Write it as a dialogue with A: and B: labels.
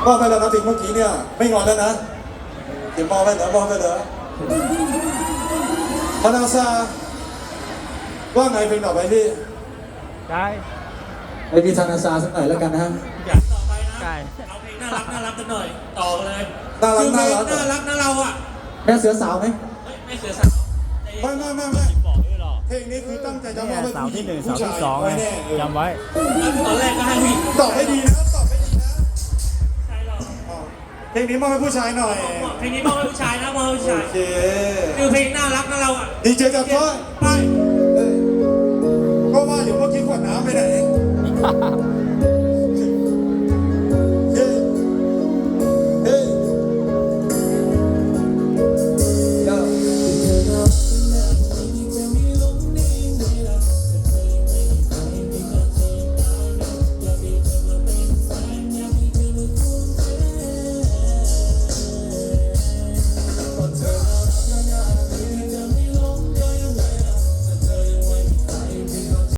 A: มอบไปแล้วนะเพลงเมื่อกี้เนี่ยไม่งอนแล้วนะเดี๋ยวมอบไปเหรอมอบไปเหรอพนาซาว่าไงเพลงต่อไปพี่
B: ได้
A: ไปพี่ธนาซาสักหน่อยแล้วกันนะฮะ
C: อยากต่อไปนะ
B: ได้
C: เอาเพลงน่ารักกันหน่อยต่อเลย
A: น่ารัก
C: คือเพลง
A: น่ารัก
C: น่ารักนะเราอ่ะ
A: แม่เสือสาวไหม
C: เฮ้ยไม่เสียสาว
A: ไม่เพลงนี้คือตั้งใจจะมอบให้
B: เสา
A: ผู้หญิ
B: ที่
A: ง
B: หนึ่ง
A: ผู้
B: เสา
A: ชาย
B: ที่สองไง
A: ไว้แน่
B: จำไว้
C: ตอนแรกก็ให้ผู้หญิง
A: ตอบให้ดีนะตอบให้ดีนะ
C: ใช่หรอ
A: อ๋อเพลงนี้มอบให้ผู้ชายหน่อย
C: เพลงนี้มอบให้ผู้ชายนะมอบให้ผู้ชาย
A: โอเค
C: คือเพลงน่ารักนะเราอ่ะ
A: ดีเจจับก้อย
C: ไป
A: ก็ว่าอยู่เมื่อกี้ขวดน้ำไปไหน